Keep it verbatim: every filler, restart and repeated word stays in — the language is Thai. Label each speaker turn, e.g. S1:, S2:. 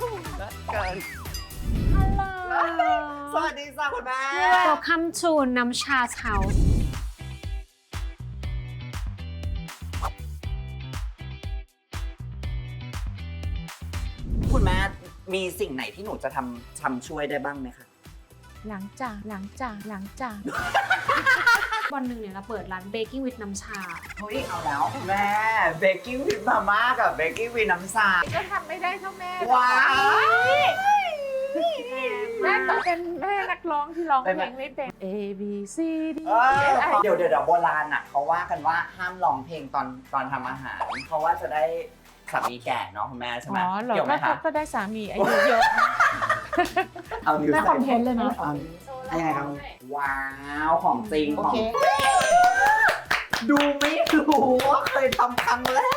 S1: เกิน
S2: ฮัลโหล
S1: สวัสดีจ้าคุณแม่
S2: Welcome to น้ำชาเช้า
S1: คุณแม่มีสิ่งไหนที่หนูจะทำทำช่วยได้บ้างไหมคะ
S3: หลังจากหลังจากหลังจาก
S2: วันหนึ่งเนี่ยเราเปิดร้าน Baking with น้ำชา
S1: เฮ้ยเอาแล้วแม่เบกกิ้งวิดมาม่ากับเบกกิ้งวิดน้ำชา
S3: ก็ทำไม่ได้เท่าแม่
S1: ว้าว
S3: แม่ต้องเป็นแม่นักร้องที่ร้องเพลงไม่เป็น A B C D
S1: เออเดี๋ยวเดี๋ยวเดี๋ยวโบราณอ่ะเขาว่ากันว่าห้ามร้องเพลงตอนตอนทำอาหารเพราะว่าจะได้สามีแก่เนาะคุณแม่ใช่ไหม
S3: อ๋อเหรอ
S1: เกี่ยวไหม
S3: ก็
S1: คะ
S3: ก็ได้สามีอายุเยอะ
S1: เอานิ้ว
S3: ได้
S1: ใส่
S3: คอนเทนต์เลยนะ
S1: อายังไงครับว้าวของจริง
S3: โอ
S1: ของ
S3: เค
S1: ดูไม่รู้ว่าเคยทำครั้งแร